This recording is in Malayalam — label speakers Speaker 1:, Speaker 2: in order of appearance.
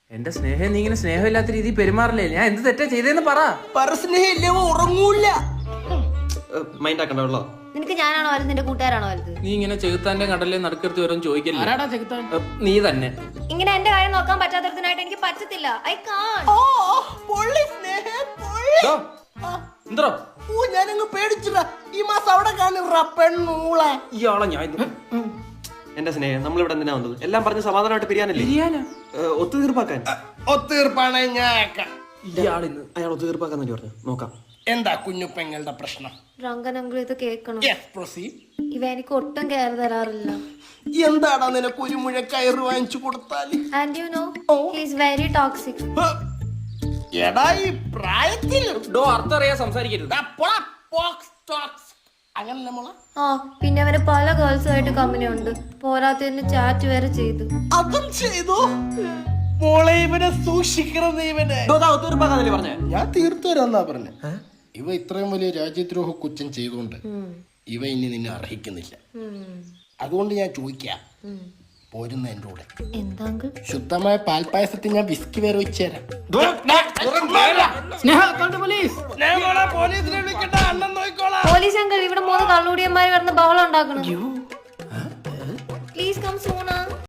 Speaker 1: എന്റെ സ്നേഹം നീ ഇങ്ങനെ സ്നേഹമില്ലാത്ത രീതിയിൽ പെരുമാറില്ലേ? ഞാൻ എന്ത് തെറ്റാ ചെയ്തേന്ന് പറ.
Speaker 2: സ്നേഹമില്ലേ ഉറങ്ങൂല.
Speaker 3: മൈൻഡ് ആക്കണ്ടോ?
Speaker 4: നിനക്ക് ഞാനാണോ വലുത്, നിന്റെ കൂട്ടുകാരാണോ വലുത്?
Speaker 1: നീ ഇങ്ങനെ ചെകുത്താന്റെ കടലിൽ നടുക്കരുത്തി വരും ചോദിക്കല്ലേ? നീ തന്നെ.
Speaker 4: ഇങ്ങനെ എന്റെ കാര്യം നോക്കാൻ പറ്റാത്തതിനായിട്ട് എനിക്ക് പറ്റത്തില്ല. I can.
Speaker 1: എന്തോ
Speaker 2: ഞാനങ്ങ് പേടിച്ചിട്ടാ. ഈ മാസം അവിടെ കാണുക പെണ്ണൂള.
Speaker 1: ഇയാളെ ഞാൻ
Speaker 3: എന്റെ സ്നേഹം നമ്മളിവിടെ എന്തിനാ വന്നത്? എല്ലാം പറഞ്ഞ് സമാധാനമായിട്ട് പിരിയാനല്ലേ? ഒത്തുതീർപ്പാക്കാൻ.
Speaker 2: ഒത്തീർപ്പാണ് ഞാൻ.
Speaker 1: ഇയാളിന്ന്
Speaker 3: അയാൾ ഒത്തുതീർപ്പാക്കാൻ വേണ്ടി പറഞ്ഞു. നോക്കാം.
Speaker 2: എന്താ കുഞ്ഞുപ്പെങ്ങളുടെ പ്രശ്നം?
Speaker 4: രംഗനങ്കിൾ ഇത് കേൾക്കണം. ഇവ എനിക്ക് ഒട്ടും കയറി തരാറില്ല.
Speaker 2: എന്താടാ നിനക്ക് ഒരു മുഴ കയറ് വാങ്ങിച്ചു കൊടുത്താല്?
Speaker 4: And you know he is very toxic.
Speaker 2: എടാ ഈ പ്രായത്തിൽ
Speaker 1: അർത്ഥം അറിയാൻ സംസാരിക്കരുത്.
Speaker 2: അങ്ങനല്ല മോളെ.
Speaker 4: ആ പിന്നെ അവന് പല ഗേൾസുമായിട്ട് കമ്പനി ഉണ്ട്. പോരാത്തതിന് ചാറ്റ് വരെ ചെയ്തു.
Speaker 2: അതും ചെയ്തു. മോളെ ഇവനെ സൂക്ഷിക്കണം. ഇവനെ
Speaker 3: ഒത്തുതീർപ്പാക്കാന്നല്ലേ പറഞ്ഞേ?
Speaker 2: ഞാൻ തീർത്തു തരാന്നാ പറഞ്ഞ. ഇവ ഇത്രയും വലിയ രാജ്യദ്രോഹ കുറ്റം ചെയ്തുകൊണ്ട് ഇവ ഇനി നിന്നെ അർഹിക്കുന്നില്ല. അതുകൊണ്ട് ഞാൻ ചോദിക്കാം, പോരുന്ന എന്റെ കൂടെ.
Speaker 4: എന്താ
Speaker 2: ശുദ്ധമായ പാൽപ്പായസത്തിൽ ഞാൻ വിസ്കി വേറെ വെച്ചുതരാം.
Speaker 4: പോലീസ് അങ്കിൾ, ഇവിടെ 3 കള്ളുടിയന്മാര് കിടന്ന് ബഹളം ഉണ്ടാക്കണം. Please come soon.